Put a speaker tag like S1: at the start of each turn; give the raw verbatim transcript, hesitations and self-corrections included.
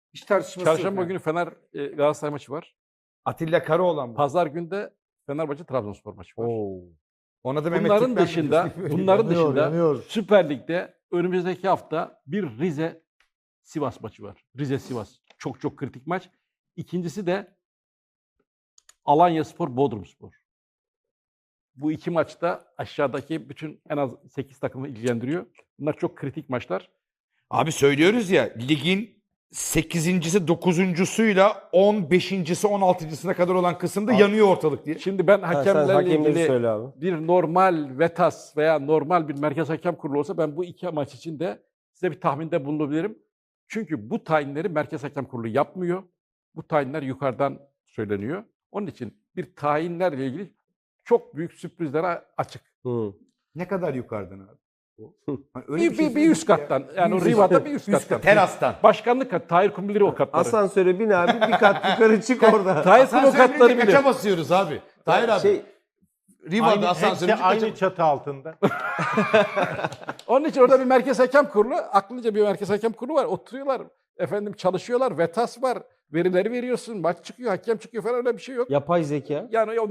S1: Hiç tartışması yok
S2: Çarşamba
S1: yani.
S2: günü Fener e, Galatasaray maçı var.
S1: Atilla Karaoğlan bu.
S2: Pazar günü de Fenerbahçe Trabzonspor maçı var.
S3: Oo.
S1: Ona da Mehmet
S2: Bunların
S1: Türkmen
S2: dışında,
S1: biliyorsun, böyle
S2: bunların
S3: Yanıyor,
S2: dışında
S3: yanıyor.
S2: Süper Lig'de önümüzdeki hafta bir Rize Sivas maçı var. Rize Sivas. Çok çok kritik maç. İkincisi de Alanyaspor Bodrumspor. Bu iki maçta aşağıdaki bütün en az sekiz takımı ilgilendiriyor. Bunlar çok kritik maçlar.
S1: Abi söylüyoruz ya, ligin sekizincisi dokuzuncusuyla on beşincisi on altıncısına kadar olan kısımda
S2: Abi-
S1: yanıyor ortalık diye.
S2: Şimdi ben
S3: Ha, sen
S2: hakemlerle
S3: hakemleri
S2: ilgili
S3: söyle abi.
S2: bir normal VETAS veya normal bir merkez hakem kurulu olsa ben bu iki maç için de size bir tahminde bulunabilirim. Çünkü bu tayinleri merkez hakem kurulu yapmıyor. Bu tayinler yukarıdan söyleniyor. Onun için bir tayinlerle ilgili çok büyük sürprizlere açık.
S3: Hı.
S1: Ne kadar yukarıdan abi? Hani öyle
S2: Bir, bir,
S1: şey
S2: bir üst
S1: söyledik ya.
S2: kattan. Yani
S1: Bir
S2: o
S1: üst-
S2: Riva'da bir üst
S1: üst
S2: kattan.
S1: kat, terastan.
S2: Başkanlık kat, Tahir Kum bilir o katları.
S3: Asansöre bin abi bir kat yukarı çık orada.
S2: Tahir Kum o
S1: Asansöre
S2: katları
S1: binince
S2: bilir.
S1: kaça basıyoruz abi? Tahir abi.
S3: Şey,
S1: Riva'da
S4: Aynı,
S1: asansöre
S4: hepsi aynı çatı altında.
S2: Onun için orada bir merkez hakem kurulu, aklınca bir merkez hakem kurulu var. Oturuyorlar, efendim çalışıyorlar, VETAS var. Verileri veriyorsun, maç çıkıyor, hakem çıkıyor falan öyle bir şey yok.
S3: yapay zeka.
S2: Yani o